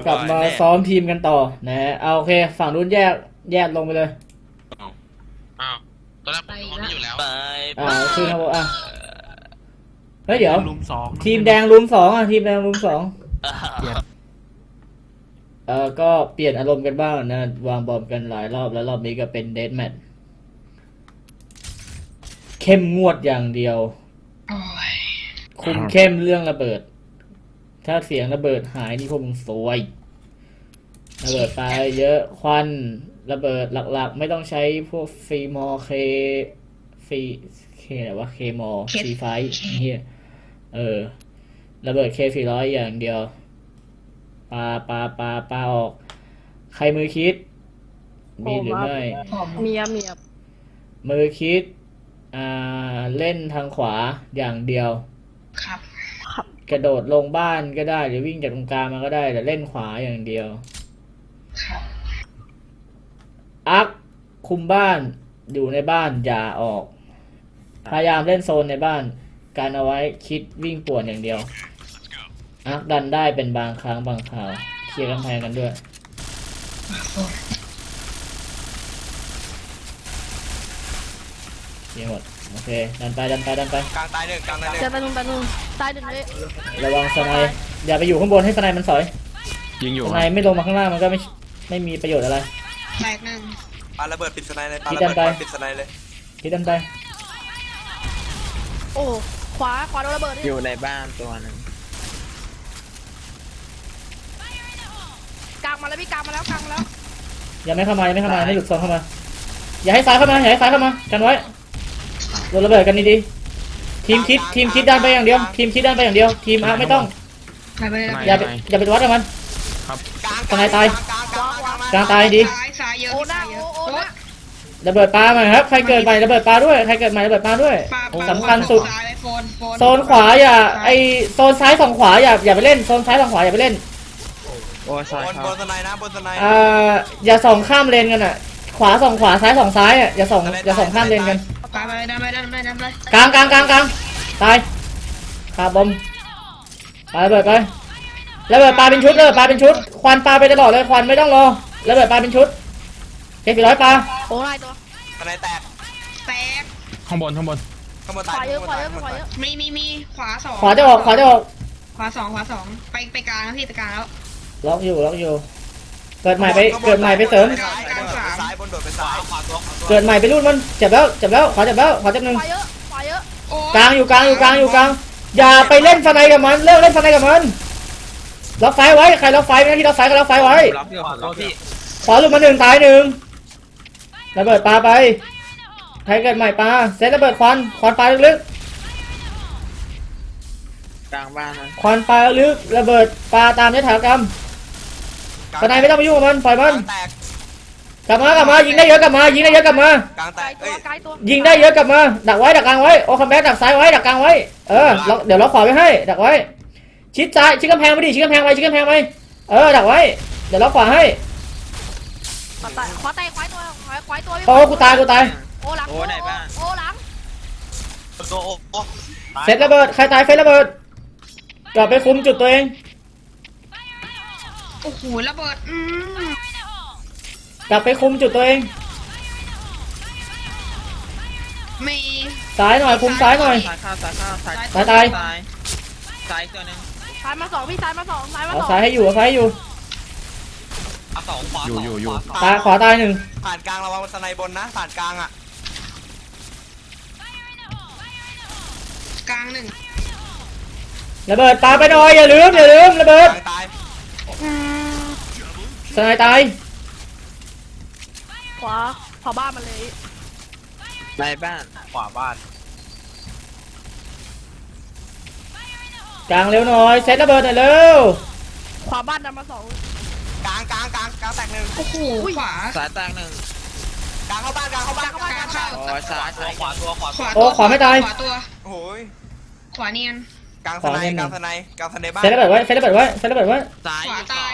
กลับมาซ้อมทีมกันต่อนะฮะเอาโอเคฝั่งนู้นแยกลงไปเลยอ้าวตอนแรกผมห้องนี้อยู่แล้วคือครับผมเฮ้ยเดี๋ยวลุม 2 ทีมแดงลุม 2ทีมแดงลุม 2ก็เปลี่ยนอารมณ์กันบ้างนะวางบอมกันหลายรอบแล้วรอบนี้ก็เป็นเดธแมทเข้มงวดอย่างเดียวคุมเข้มเรื่องระเบิดถ้าเสียงระเบิดหายนี่พวกมึงซวยระเบิดไปเยอะควันระเบิดหลักๆไม่ต้องใช้พวกฟรีมอเคอะไรวะเคมอซีไฟเฮียระเบิดK400อย่างเดียวปาออกใครมือคิดมีหรือไม่มีมือคิดเล่นทางขวาอย่างเดียวครับกระโดดลงบ้านก็ได้หรือวิ่งจากตรงกลางมาก็ได้แต่เล่นขวาอย่างเดียวครับอักคุมบ้านอยู่ในบ้านอย่าออกพยายามเล่นโซนในบ้านการเอาไว้คิดวิ่งป่วนอย่างเดียวอักดันได้เป็นบางครั้งบางคราวเคลียร์กำแพงกันด้วยเคลียร์หมดโอเคดันไปกลางตายหนึ่งจะไปนู่นตายหนึ่งเลยระวังสไนอย่าไปอยู่ข้างบนให้สไนมันสอยยิงอยู่สไนไม่ลงมาข้างล่างมันก็ไม่มีประโยชน์อะไรแตกหนึ่งปาระเบิดปิดสไนเลยปาระเบิดปิดสไนเลยคิดดันไปโอ้ขวาโดนระเบิดอยู่ในบ้านตัวนึงกลางมาแล้วพี่กลางมาแล้วอย่าไม่เข้ามาให้หลุดโซนเข้ามาอย่าให้ซ้ายเข้ามากันไว้โดนระเบิดกันดีๆทีมคิดดันไปอย่างเดียวทีมอาร์ไม่ต้องอย่าไปวัดกับมันสไนตายกลางตายดีระเบิดปลามาครับใครเกิดใหม่ระเบิดปลาด้วยสำคัญสุดโซนขวาอย่าไอโซนซ้าย2ขวาอย่าไปเล่นโซนซ้าย2ขวาอย่าไปเล่นบนสไนนะบนสไนอย่าส่องข้ามเลนกันอ่ะขวา2ขวาซ้าย2ซ้ายอ่ะอย่าส่องข้ามเลนกันกลางตายคาบอมปาระเบิดไประเบิดปลาเป็นชุดควันปลาไปตลอดเลยควันไม่ต้องรอระเบิดปลาเป็นชุดK400ปลาโอ้ยตัวสไนแตกข้างบนตายขวาเยอะมีขวา2 ขวาจะออกขวา 2ไปกลางแล้วพี่ไปกลางแล้วล็อกอยู่เกิดใหม่ไปเสริมซ้ายบนโดดไปซ้ายเกิดใหม่ไปรุ่นมันเจ็บแล้วขวาเจ็บหนึ่งขวาเยอะกลางอยู่กลางอย่าไปเล่นสไนกับมันเลิกเล่นสไนกับมันล็อกไฟไว้ใครล็อกไฟไม่ที่ล็อกไฟก็ล็อกไฟไว้ขวาหลุดมา1ตาย1ระเบิดปลาไปใครเกิดใหม่ปลาเซตระเบิดควันปลาลึกกลางบ้านนะควันปลาลึกระเบิดปลาตามยถากรรมสไนไม่ต้องไปยุ่งกับมันปล่อยมันกลับมายิงได้เยอะกลับมากลางแตกยิงได้เยอะกลับมาดักไว้ดักกลางไว้โอคัมแบ็กดักซ้ายไว้ดักกลางไว้เดี๋ยวล็อกขวาไว้ให้ดักไว้ชิดซ้ายชิดกำแพงไปชิดกำแพงไว้ดักไว้เดี๋ยวล็อกขวาให้ขวาตัวโอ้กูตายโอ้หลังโอ้หลังเซตระเบิดใครตายเฟสระเบิดกลับไปคุมจุดตัวเองโอ้โหระเบิดกลับไปคุมจุดตัวเองมีซ้ายหน่อยคุมซ้ายหน่อยซ้ายตายซ้ายตัวนึงซ้ายมา2พี่ซ้ายมา2 เอาซ้ายให้อยู่ขวาอยู่ขวาตาย1 ผ่านกลางระวังสไนบนนะผ่านกลางอ่ะกลาง1 ระเบิดปาไปหน่อยอย่าลืมระเบิดสไนตายขวาบ้านมาเลยในบ้านขวาบ้านกลางเร็วหน่อยเซตระเบิดหน่อยเร็วขวาบ้านนำมา2 กลางแตก1 โอ้โหขวาสายแตก1 กลางเข้าบ้านซ้ายขวาตัวโอ้ขวาไม่ตายขวาตัวโอ้ยขวาเนียนกลางสไนบ้านเซตระเบิดไว้ซ้ายขวาตาย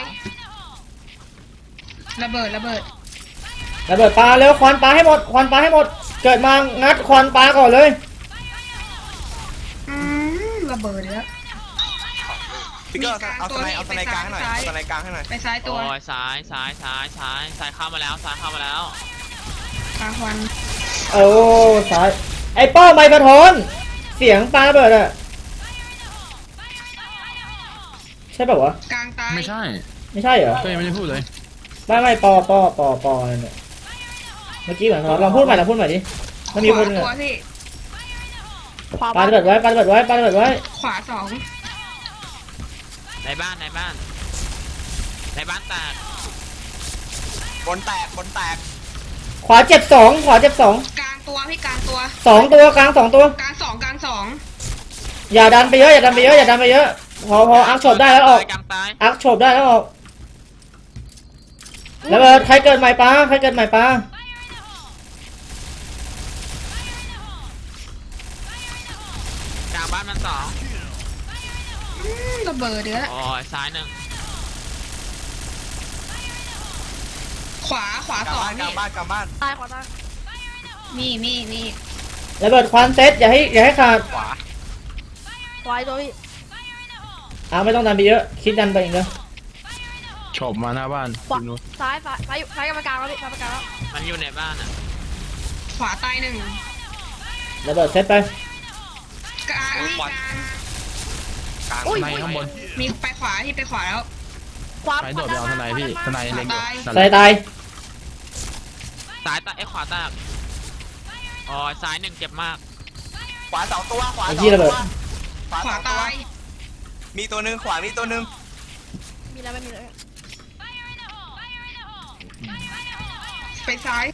ระเบิดปลาเร็วควันปลาให้หมดเกิดมางัดควันปลาก่อนเลยระเบิดแล้วพี่เกอร์เอาสไนกลางให้หน่อยเอาสไนกลางให้หน่อยไปซ้ายตัวโอ้ยซ้ายเข้ามาแล้วซ้ายเข้ามาแล้วกลางควันโอ้ซ้ายไอ้ป้อไมค์กระทนเสียงปลาระเบิดอะใช่ป่าวะกลางตายไม่ใช่ไม่ใช่เหรอก็ยังไม่ได้พูดเลยไม่ปออะไรเนี่ยเมื่อกี้เหมือนลองพูดใหม่ดิมันมีคนขเนี่วาย ตัวพี่ปลาระเบิดไว้ขวาสองในบ้านแตกบนแตกขวาเจ็บสองกลางตัวพี่กลางตัวสองตัวกลางสองตัวกลางสองอย่าดันไปเยอะพออักโฉบได้แล้วออกกลางตายอักโฉบได้แล้วออกแล้วใครเกิดใหม่ปลากลางบ้านมันสองระเบิดเดือดโอ้ยซ้ายหนึ่งขวากลางสองบ้านกลางพี่บ้านกลางบ้านตายขวาตายมีระเบิดควันเซตอย่าให้ขาดขวาขวาอีกตัวพี่ไม่ต้องดันไปเยอะคิดดันไปอีกเนอะโฉบมาหน้าบ้านขวาทีมนู้นซ้ายกรรมการแล้วพี่กรรมการแล้วมันอยู่ในบ้านอ่ะขวาตายหนึ่งระเบิดเซตไปกลางพี่กลางกลางในข้างบนมีไปขวาที่ไปขวาแล้วขวาใครโดดไปเอาทนายพี่ทนายเล็งอยู่นั่นใส่แหละตายซ้ายตายขวาแตกโอ้ยซ้ายหนึ่งเจ็บมากขวาสองตัวขวาไอ้สองที่ระตัเบิวดขวาตายมีตัวหนึงขวามีตัวหนึงมีแล้วไม่มีเลยไปซ้าย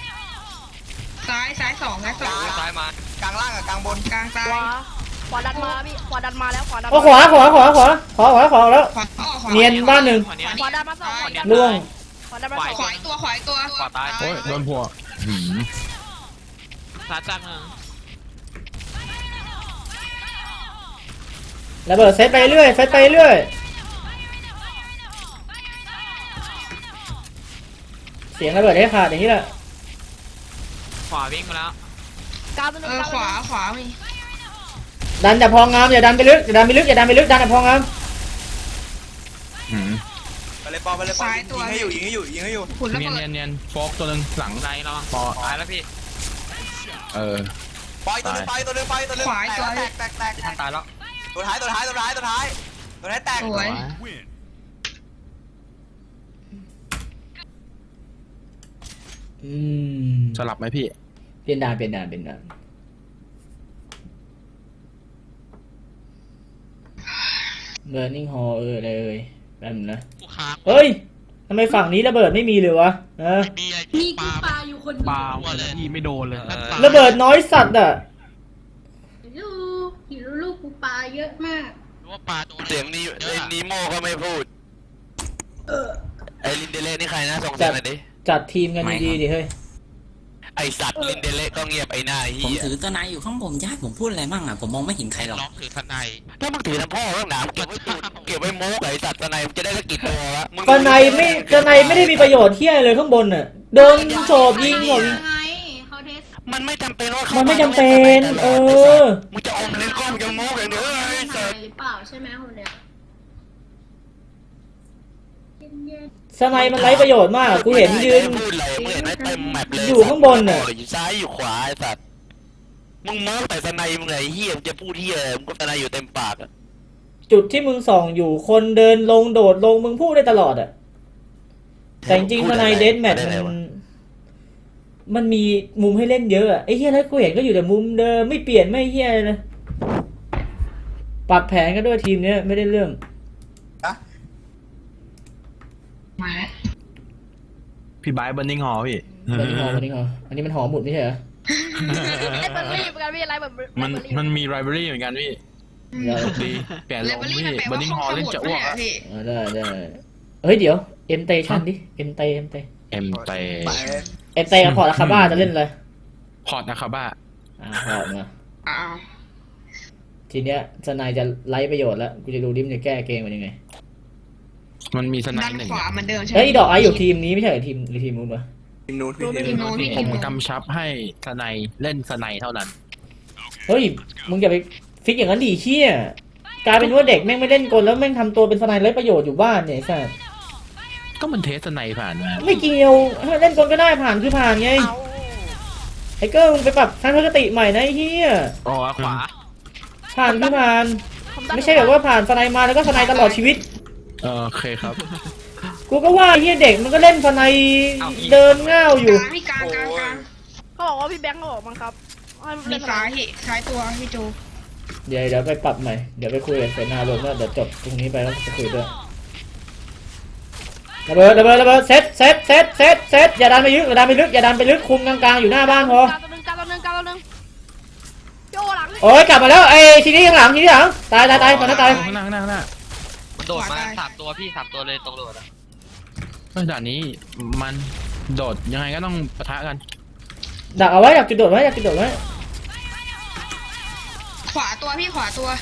สองซ้ายมากลางล่างกับกลางบนกลางตายขวาดันมาพี่ขวาดันมาแล้วขวาดันโอ้ขวาแล้วขวาเนียนบ้านหนึ่งขวาดันมาสองขวาดันล่วงขวาดันมาสองขวาอีกตัวขวาตายโอ้ยโดนหัวหืมซ้ายแตกหนึ่งระเบิดเซตไปเรื่อยเสียงระเบิดให้ขาดอย่างนี้แหละขวาวิ่งมาแล้วกลางตัวหนึงกลางขวามีดันแต่พองามอย่าดันไปลึกดันแต่พองามหืมไปเลยปอยิงให้อยู่หุ่นระเนียนเบิดเนียนโฟกตัวหนึงหลังไรระวังปอตายแล้วพี่เออปอยตัวหนึงตัวหนึงแตกท่านตายแล้วตัวท้ายแตกสวยสลับไหมพี่เปลี่ยนด่านBurning Hall อะไรแป๊บนึงนะกูค้างเฮ้ยทำไมฝั่งนี้ระเบิดไม่มีเลยวะมีไอ้มีปกูลาปลาอยู่คนปเดียวาเลยพี่ไม่โดนเลยระเบิดน้อยสัตว์อ่ะลูกกูปลาเยอะมากรู้ว่าปลาโดนเสียงนี้ไอ้นีโม่ก็ไม่พูด ไอ้ลินเดเล่นี่ใครนะส่งจัเสียดงหน่อยดิจัดทีมกันดีๆดิเฮ้ยไอสัตว์ลินเดเล่ก็เงียบไอ้หน้าผมเฮียถือตัวนายอยู่ข้างบนญาติผมพูดอะไรมั่งอ่ะผมมองไม่เห็นใครหรอกร้องถือทนายถ้ามึงถือน้ำพ่อข้างหนามเก็บไว้พูดเก็บไว้โม้กับไอสัตว์ตะไนมึงจะได้สักกี่ตัววะมึงตอนในไม่ได้มีประโยชน์เที่ยเลยข้างบนน่ะโดนโฉบยิงหมดไงเขาเทสมันไม่จำเป็นว่ามัมันไม่จำเป็นมึงจะอมเล่นกล้องจะโม้อย่างเดียวไอ้สัหาตยว์หรือเปล่าใช่ไหมคนเนี้ยเย็นสไนมันไร้ประโยชน์มากกูเห็นยืนพูดอะไรมึงเห็นไหมเต็มแมปเลยอยู่ข้างบนน่ะอยู่ซ้ายอยู่ขวาไอสัตว์มึงโม้แต่ตะไนมึงไงเฮียมึงจะพูดเฮียมึงก็ตะไนอยู่เต็มปากอะจุดที่มึงส่องอยู่คนเดินลงโดดลงมึงพูดได้ตลอดอ่ะแต่จริงๆสไนเดธแมทมันมีมุมให้เล่นเยอะอ่ะไอ้เฮียแล้วกูเห็นก็อยู่แต่มุมเดิมไม่เปลี่ยนไม่เฮียเลยนะปรับแผนกันด้วยทีมเนี้ยไม่ได้เรื่องมาแล้วพี่ไบร์ทเบิร์นิงฮอลพี่วันนี้หออันนี้มันหอหมุดไม่ใช่เหรอไอ้เบอร์รี่เหมือนกันพี่อะไรแบบมันมีไรเบอรี่เหมือนกันพี่เดี๋ยวดีแก่ลเลงเวลลี่พี่มันแปลเบิร์ว่านิงห้ฮองอลสเล่นมุดจะไม่อ้วกใช่อะพี่ได้เฮ้ยเดี๋ยวเอ็มเตชั่นดิเอ็มเตเอ็มเตกับพอร์ตอะคาบ้าจะเล่นอะไรพอร์ตนะคาบ้าพอร์ตมาอ้าวทีเนี้ยสไนจะไร้ประโยชน์แล้วกูจะดูดิมนจะแก้เกมมันยังไงมันมีสไนด้านหนึ่งขวาเหมือนเดิมใช่ไหมเฮ้ยดอกไออยู่ทีมนี้ไม่ใช่เหรอทีมหรือทีมนู้นปะทีมนู้นพี่ทีมนู้นพี่ผมกำชับให้สไนเล่นสไนเท่านั้นเฮ้ยมึงอย่าไปฟิกอย่างนั้นดิเชี่ยกลายเป็นว่าเด็กแม่งไม่เล่นกลแล้วแม่งทำตัวเป็นสไนไร้ประโยชน์อยู่บ้านเนี่ยไอ้สัสก็มันเทสไนผ่านมาไม่เกี่ยวเล่นกลก็ได้ผ่านคือผ่านไงไอ้เกิ้ลมึงไปปรับทัศนคติใหม่นะไอ้เหี้ยอ๋อขวาผ่านคือผ่านผมดันไม่ใช่แบบว่าผ่านสไนมาแล้วก็สไนตลอดชีวิตโอเคครับกูก็ว่าไอ้เหี้ยเด็กมันก็เล่นสไนเดินง่าวอยู่กลางพี่กลางกลางกลางเขาบอกว่าพี่แบงค์เขาบอกมั้งครับให้นมีเล่นซ้ายพี่ซ้ายตัวพี่จูเดี๋ยวไปปรับใหม่เดี๋ยวไปคุยกับเสนาลมแล้วเดี๋ยวจบตรงนี้ไปแล้วจะคุยด้วยระเบิดเซตอย่าดันไปลึกอย่าดันไปลึกคุมกลางๆอยู่หน้าบ้านพอกลางตัวหนึ่งพี่โอหลังโอ้ยกลับมาแล้วไอ้ทีนี้ข้างหลังตายตอนนั้นตายข้างหน้ามันโดดมา3 ตัวพี่3 ตัวเลยตรงโดดอะด่านนี้มันโดดยังไงก็ต้องปะทะกันดักเอาไว้ดักจุดโดดไว้ขวาตัวพี่ขวาตัว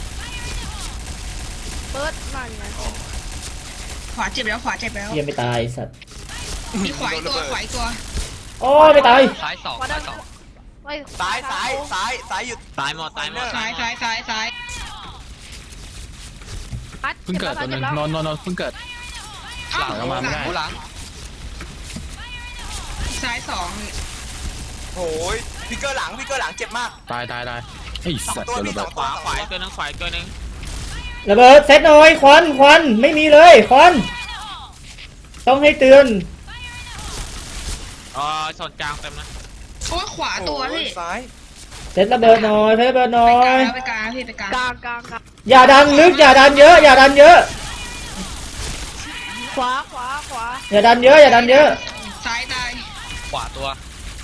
เปิดนั่นไงขวาเจ็บแล้วขวาเจ็บแล้วเหี้ยไม่ตายสัตว์มีขวาอีกตัวขวาอีกตัวโอ้ยไม่ตายซ้าย2 ขวาดัซ้าน ยไม่ซ้ายหยุดตายหมดซ้ายพัดเพิ่งเกิดตัวหนึงนอนเพิ่งเกิดอ้าวหลังมาไม่ได้หลังซ้ายสองโอ้ยพี่เกอร์หลังเจ็บมากตายไอ้สัตว์ตัวเจอมีระสเบิองดตัวขวาอีกตัวนึงระเบิดเซตหน่อยควันไม่มีเลยควันต้องให้เตือนโซนกลางเต็มนะโอ้ยขวาตัวพี่ซ้ายเซตระเบิดหน่อยไปกลางพี่ไปกลางกลางอย่าดันลึกอย่าดันเยอะขวาอย่าดันเยอะซ้ายตายขวาตัว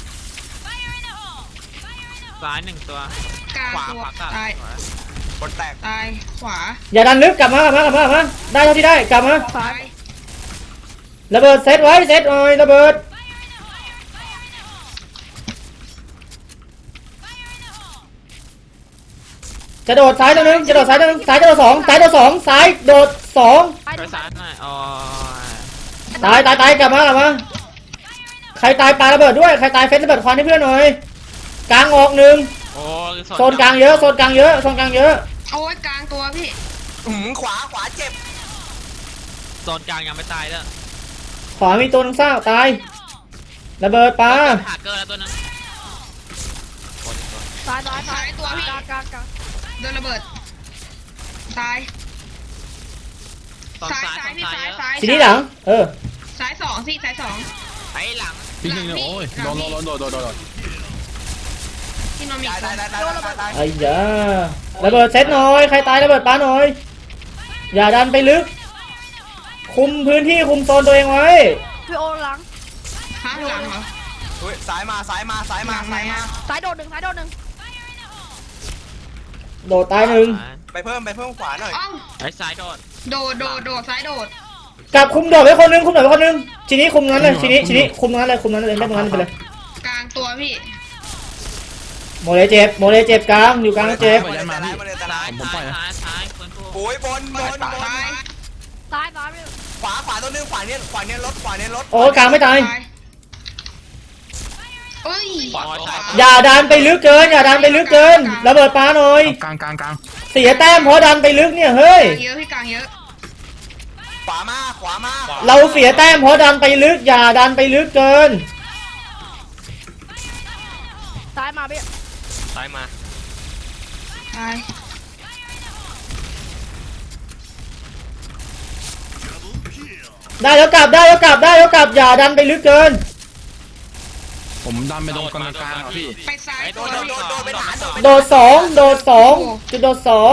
ซ้าย1ตัวกลางขวาตัวตัดตายบนแตกตายขวาอย่าดันลึกกลับมาได้เท่าที่ได้กลับมาซ้ายระเบิดเซตไว้เซตหน่อยระเบิดจะโดดซ้ายตัวนึงซ้ายโดด2ซ้ายโดด2 ไปซ้ายหน่อยตายกลับมาใครตายปาระเบิดด้วยใครตายเฟสระเบิดควันให้เพื่อนหน่อยกลางออกหนึ่งโอ้โซนกลางเยอะโอ้ยกลางตัวพี่ขวาเจ็บโซนกลางยังไม่ตายเด้อขวามีตัวนึงเศร้าตายระเบิดปาหาเกอร์แล้วตัวนึงซ้ายตัวพี่กลางโดนระเบิดตายโซนซ้ายพี่เยอะซ้ายทีนี้หลังซ้ายสองพี่ซ้ายสองไอ้หลังพี่หนึ่งโอ้ยโดนที่นอนมีตายไอ้ยาระเบิดเซตหน่อยใครตายระเบิดปาหน่อยอย่าดันไปลึกคุมพื้นที่คุมโซนตัวเองไว้พี่โอหลังฮะหลังเหรอเฮ้ยซ้ายมาซ้ายโดดหนึ่งโดดตายหนึ่งไปเพิ่มขวาหน่อยอ้าวไอ้ซ้ายโดดโดดซ้ายโดดกลับคุมโดดไว้คนนึงทีนี้คุมนั้นเลยทีนี้คุมนั้นเลยเล่นตรงนั้นไปเลยกลางตัวพี่โมเลเจ็บกลางอยู่กลางเจ็บมาเลยแต่ละซ้ายคนผู้โอ้ยบนซ้ายพี่ขวาตัวนึงขวาเนี้ยรถโอ้กลางไม่ตายเอ้ยขวาตัวอย่าดันไปลึกเกินระเบิดปาหน่อยกลางเสียแต้มเพราะดันไปลึกเนี่ยเฮ้ยเยอะพี่กลางเยอะขวามาเราเสียแต้มเพราะดันไปลึกอย่าดันไปลึกเกินซ้ายมาพี่ซ้ายมาตายได้แล้วกลับอย่าดันไปลึกเกินผมดันไปตรงกลางพี่ไปซ้ายโดตัวพี่ไปฐานโดดสองจุดโดดสอง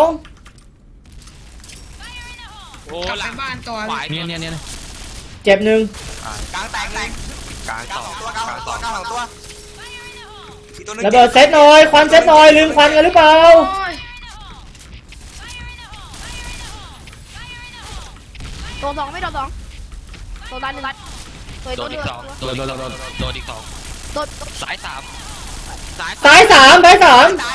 โอ้กลับหไปลังบ้านตัวขวาเนี่ยเจ็บหนึ่งกลางแตกกลางกลาง 2 สองตัวอีกตัวนึงระเบิดเซตหน่อยควันเซตหน่อยลืมควันกันหรือเปล่าโดน2ไม่โดน2โดนด้านหนึ่งโดนอีก 2 โดนอีก 2 โดนซ้าย 3 ซ้ายสามตาย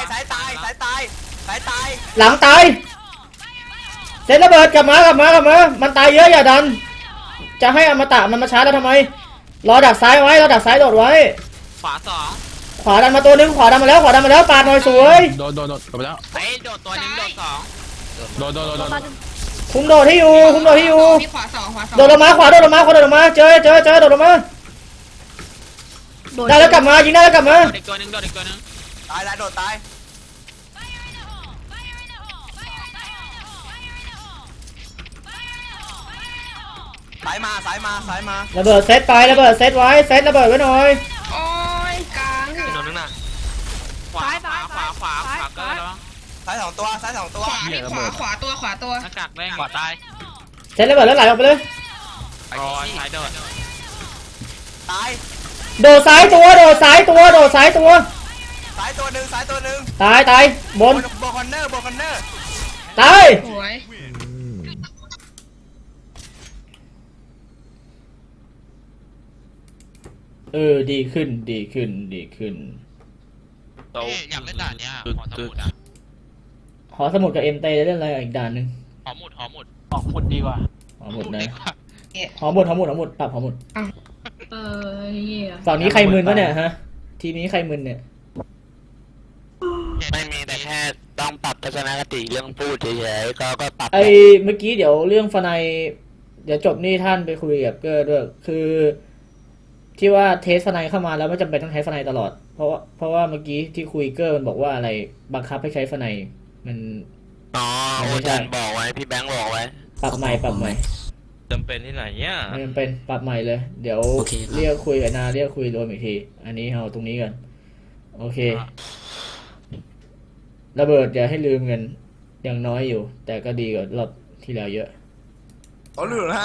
หลังตายเซตระเบิดกลับมามันตายเยอะอย่าดันจะให้อมตะมันมาชาร์จแล้วทำไมรอดักซ้ายไว้โดดไว้ขวา2 ขวาดันมาตัวนึงขวาดันมาแล้วปาดหน่อยสวยโดนไปแล้วไอ้โดดตัวนึงโดด2 โดนตายหนึ่งคุมโดดที่อยู่คุมโดดที่อยู่มีขวาสองขวาสองโดดลงมาขวาโดดลงมาขวาโดดลงมาเจอโดดลงมาโดนได้แล้วกลับมายิงได้แล้วกลับมาโดดอีกตัวหนึงโดดอีกตัวหนึงตายแล้วโดดตายสายมาสายมาสายมาระเบิดเซตไประเบิดเซตไว้เซตระเบิดไว้หน่อยโอ้ยกลางอีกโดนนึงน่ะขวาเกินแล้วสายสองตัวสายสองตัวขวามีขวาตัวหน้ากากแดงขวาตายเซตระเบิดแล้วไหลออกไปเลยอ๋อสายโดดตายโดดซ้ายตัวโดดซ้ายตัวโดดซ้ายตัวสายตัวหนึ่งสายตัวหนึ่งตายบบ นนคอนเนอร์บนคอนเนอร์ตายสวยดีขึ้นเอ๊ะอยากเล่นด่านเนี้ยหอสมุดอ่ะหอสมุดกับเอ็มเตจะเล่นอะไรอีกด่านหนึ่งหอหมุดหอหมุดนะดีกว่าหอหมุดปรับหอหมุดนี่ยฝั่งนี้ใครมึนวะเนี่ยฮะทีมนี้ใครมึนเนี่ยไม่มีแต่แค่ต้องปรับทัศนคติเรื่องพูดเฉยๆก็ปรับไอเมื่อกี้เดี๋ยวเรื่องฟนายเดี๋ยวจบนี่ท่านไปคุยกับเกอร์ด้วยคือที่ว่าเทสฟนายเข้ามาแล้วไม่จำเป็นต้องใช้ฟนายตลอดเพราะว่าเมื่อกี้ที่คุยเกอร์มันบอกว่าอะไรบังคับให้ใช้ฟนายมันอ๋ออาจารย์บอกไว้พี่แบงค์บอกไว้ปรับใหม่จำเป็นที่ไหนเนี่ยไม่จำเป็นปรับใหม่เลย เดี๋ยวเรียกคุยกับนาเรียกคุยรวมอีกทีอันนี้เอาตรงนี้กันโอเคระเบิดอย่าให้ลืมกันยังน้อยอยู่ แต่ก็ดีกว่ารอบที่แล้วเยอะเขาเหลือห้า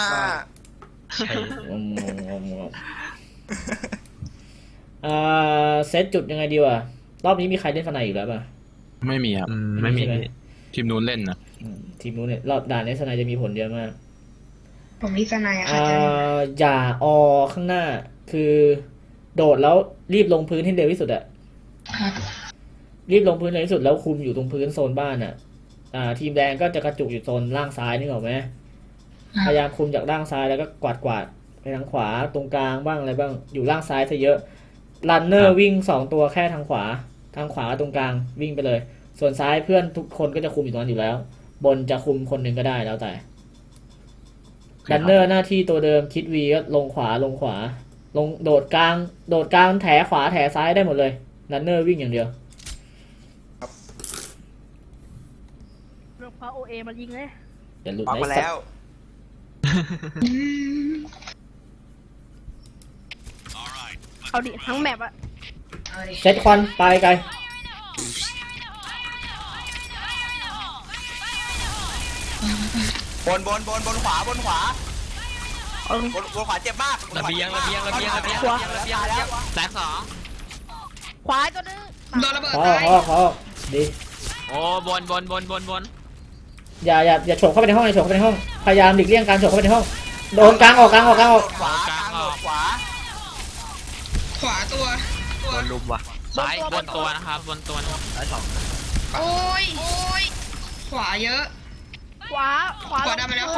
เซตจุดยังไงดีวะรอบนี้มีใครเล่นฟนายอีกแล้วป่ะไม่มีครับไม่มีทีมนู้นเล่นนะทีมนู้นเนี่ยรอบด่านนี้ฟนายจะมีผลเยอะมากผมมีสไนอะค่ะอย่าอข้างหน้า คือโดดแล้วรีบลงพื้นให้เร็วที่สุดอะรีบลงพื้นเร็วที่สุดแล้วคุมอยู่ตรงพื้นโซนบ้านอะทีมแดงก็จะกระจุกอยู่โซนล่างซ้ายนึกออกไหมพยายามคุมจากล่างซ้ายแล้วก็กวาดไปทางขวาตรงกลางบ้างอะไรบ้างอยู่ล่างซ้ายซะเยอะรันเนอร์วิ่ง2ตัวแค่ทางขวาตรงกลางวิ่งไปเลย ส่วนซ้ายเพื่อนทุกคนก็จะคุมอยู่ตรงนั้นอยู่แล้ว บนจะคุมคนหนึ่งก็ได้แล้วแต่รันเนอร์หน้าที่ตัวเดิมคิดวีก็ลงขวาลงโดดกลางแถขวาแถซ้ายได้หมดเลยรันเนอร์วิ่งอย่างเดียวเรื่องพาโอเอมายิงเลยอย่าหลุดปักนะมาแล้วเอาดิทั้งแมปอะเซตควันไปไกลบนขวาบนขวาเอาบนขวาเจ็บมากระเบียงตายแล้วแตกสองขวาตัวนึงโดนระเบิดขอตายดีโอ้บนอย่าโฉบเข้าไปในห้องพยายามหลีกเลี่ยงการโฉบเข้าไปในห้องโดนกลางออกขวากลางขวาขวาตัวโดนลุมว่ะซ้ายบนตัวนะครับบนตัวนะซ้ายสองโอ้ยขวาเยอะขวาขวาดันมาแล้ว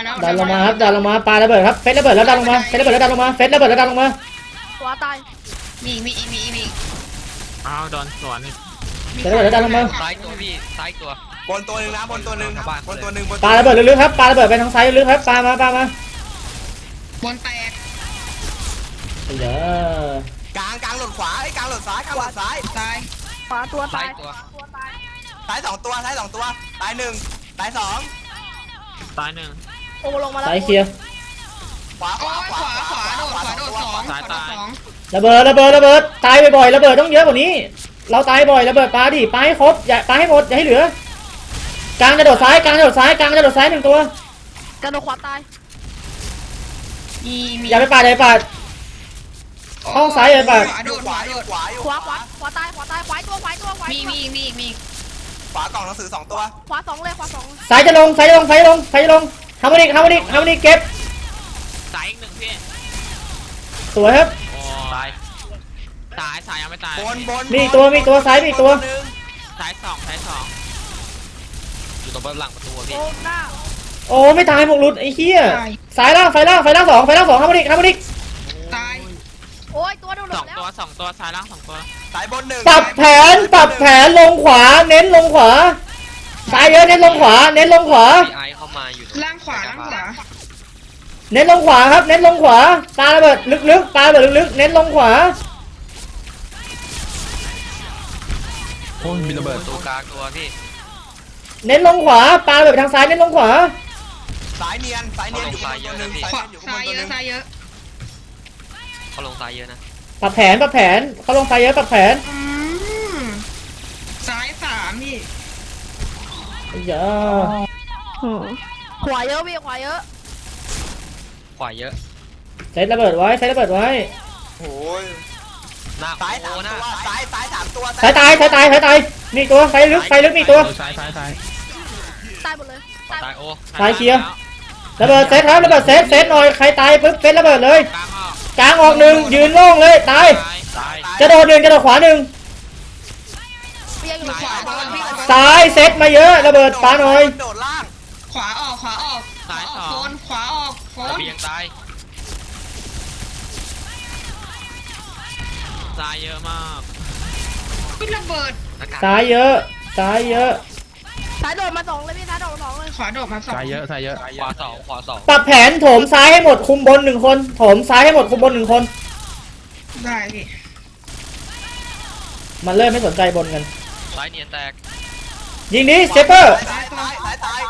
ดันลงมาครับดันลงมาปาระเบิดครับเฟสระเบิดแล้วดันลงมาเฟสระเบิดแล้วดันลงมาขวาตายมีอีกอ้าวโดนสวนอีกเฟสระเบิดแล้วดันลงมาซ้ายตัวพี่ซ้ายตัวบนตัวหนึ่งนะบนตัวหนึ่งปาระเบิดลึกๆครับปาระเบิดไปทางซ้ายลึกๆครับปามาบนแตกเดี๋ยวกลางหล่นขวาไอ้กลางหล่นซ้ายกลางหล่นซ้ายตายขวาตัวตายตัวตายซ้ายสองตัวตายหนึ่งตายสองซ้ายหนึ่งโอ้ลงมาแล้วซ้ายเคลียร์ขวาโอ้ยขวาโดดสองระเบิดตายบ่อยๆระเบิดต้องเยอะกว่านี้ เราตายบ่อยระเบิดปาดิปาให้ครบอย่าปาให้หมดอย่าให้เหลือกลางจะโดดซ้าย1 ตัวกระโดดขวาตายมีอย่าไปปาห้องซ้ายอย่าไปปาขวาโดดขวาตายขวาตัวมีขวากล่องหนังสือ2ตัวขวาสองเลยขวาสองซ้ายจะลงทำมันอีกเก็บซ้ายอีกหนึ่งพี่สวยครับโอ้ซ้ายยังไม่ตายบนมีอีกตัวซ้ายมีอีกตัวซ้ายสองอยู่ตรงหลังประตูโอ้พี่หน้าโอ้ไม่ตายหมกหลุดไอ้เหี้ยซ้ายล่าง2ทำมันอีกตายโอ้ยตัวโดนสองแล้วตัวซ้ายล่าง2ตัวสายบน1 ปรับแผนลงขวาเน้นลงขวาซ้ายเยอะเน้นลงขวาเน้นลงขวาไอเข้ามาอยู่ล่างขวาล่างขวาเน้นลงขวาครับเน้นลงขวาปาระเบิดลึกๆปาระเบิดลึกๆเน้นลงขวาโอ้ยมีระเบิดตัวกลางตัวพี่เน้นลงขวาปาระเบิดไปทางซ้ายเน้นลงขวาสายเนียนอยู่ข้างบนตัวหนึ่งขวาอยู่ข้างซ้าบยนเยตัวหนึ่งอะซ้ายเยอะเขาลงซ้ายเยอะนะปรับแผนเขาลงซ้ายเยอะปรับแผนซ้ายสามพี่อย่าขวาเยอะพี่ขวาเยอะขวาเยอะเซตระเบิดไว้เซตระเบิดไว้โอ้ยหน้าซ้ายโอ้ 3 หน้าตัวซ้าย3ตัวสายตายมีตัวไฟลึกมีตัวซ้ายตายหมดเลยตายโอ้ซ้ายเคลียร์ ระเบิดเซตครับระเบิดเซตหน่อยใครตายปุ๊บเซตระเบิดเลยกลางออกกลางออกหนึ่งยืนโล่งเลยตายซ้ายจะโดดหนึ่งจะโดดขวาหนึ่งเปียกอยู่ขวาบอลพี่ซ้ายเซตมาเยอะระเบิดปาหน่อยโดดล่างขวาออกโฟนขวาออกโฟนระเบียงตายซ้ายเยอะมากพี่ระเบิดซ้ายเยอะสายโดดมาสองเลยพี่สายโดดมาสองเลยขวาโดดมาสองซ้ายเยอะขวาสองขวาสองปรับแผนโถมซ้ายให้หมดคุมบนหนึ่งคนโถมซ้ายให้หมดคุมบนหนึ่งคนได้พี่มันเริ่มไม่สนใจบนกันซ้ายเนียนแตกยิงนี้เซปเปอร์ซ้ายตาย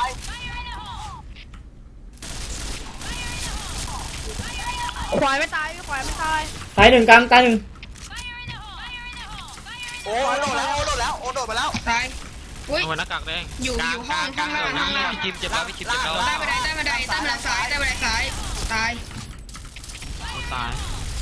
ขวาไม่ตายพี่ขวาไม่ตายตายหนึ่งกลางตายหนึ่งโอ้โดดมาแล้วตายอุ้ยเอาหน้ากากแดงอยู่กลางห้องกลางข้างล่างพี่คิมเจ็บแล้วพี่คิมเจ็บแล้วใต้บันไดใต้บันไดซ้ายตายตาย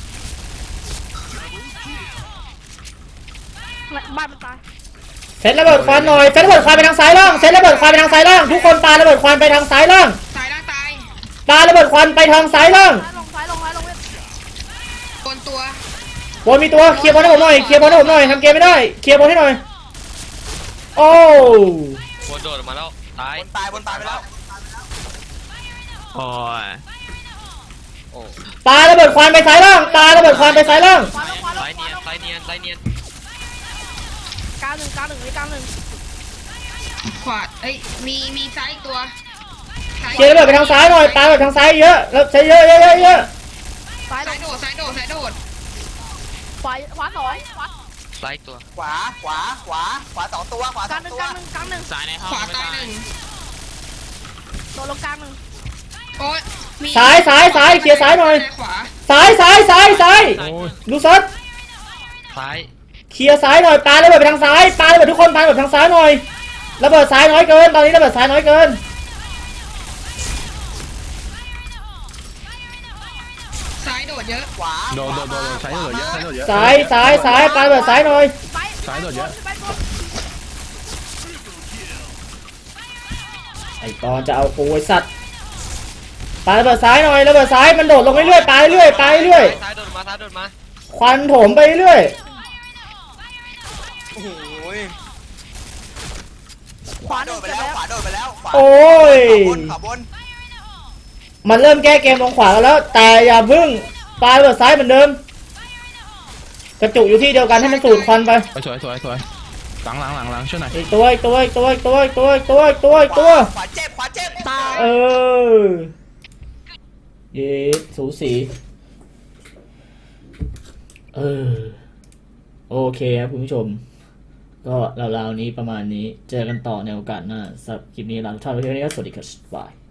บ้านมันตายเซตระเบิดควันหน่อยเซตระเบิดควันไปทางซ้ายล่างเซตระเบิดควันไปทางซ้ายล่างทุกคนปาระเบิดควันไปทางซ้ายล่างซ้ายล่างตายปาระเบิดควันไปทางซ้ายล่างซ้ายลงเว้ยบนตัวบนมีตัวเคลียร์บอลให้ผมหน่อยทำเกมไม่ได้เคลียร์บอลให้หน่อยโอ้บนโดดออกมาแล้วตายบนตายไปแล้วโอ้ยโอ้ปาระเบิดควันไปซ้ายล่างปาระเบิดควันไปซ้ายล่างขวาลงซ้ายเนียนซ้ายเนียนซ้ายเนียนกลางหนึ่งกลางหนึ่งขวาเอ้ยมีซ้ายอีกตัวเคลียร์ระเบิดไปทางซ้ายหน่อยปาระเบิดทางซ้ายเยอะแล้วใช้เยอะซ้ายลซ้ายงโดดซ้ายโดดขวาสองขวาซ้ายตัวขวา2ตัวขวากลางหนึ่ง 2ตัวกลางหนึ่งซ้ายในห้องขวาไม่ตายตายหนึ่งโดดลงกลางหนึ่งโอ้ยมีซ้ายเคลียร์ซ้ายหน่อยขวาซ้ายซ้ายดูซัดซ้ายเคลียร์ซ้ายหน่อยปาระเบิดไปทางซ้ายปาระเบิดทุกคนปาระเบิดทางซ้ายหน่อยระเบิดซ้ายน้อยเกินตอนนี้ระเบิดซ้ายน้อยเกินซ้ายโดดเยอะขวาโดดซ้ายโดดเยอะซ้ายปาระเบิดซ้ายหน่อยไปโดดเยอะไปบนไอ้ตอนจะเอาปูไอ้สัตว์ปาระเบิดซ้ายหน่อยระเบิดซ้ายมันโดดลงเรื่อยๆปาเรื่อยซ้ายโดดมาควันโถมไปเรื่อยโอ้โหขวาหโดนึ่งดไปเจ็บแล้วแล้วโอ้ยขวาบนมันเริ่มแก้เกมลงขวากันแล้ว แต่อย่าพึ่งปาระเบิดซ้ายเหมือนเดิมกระจุกอยู่ที่เดียวกันให้มันสูดควันไปสวยหลังช่วยหน่อยอีกตัวขวาเจ็บตายเออเย้สูสีโอเคครับคุณผู้ชม ก็ราวๆนี้ประมาณนี้เจอกันต่อในโอกาสหน้าสำหรับคลิปนี้ลาทุกท่านไปที่นี่ก็สวัสดีครับบาย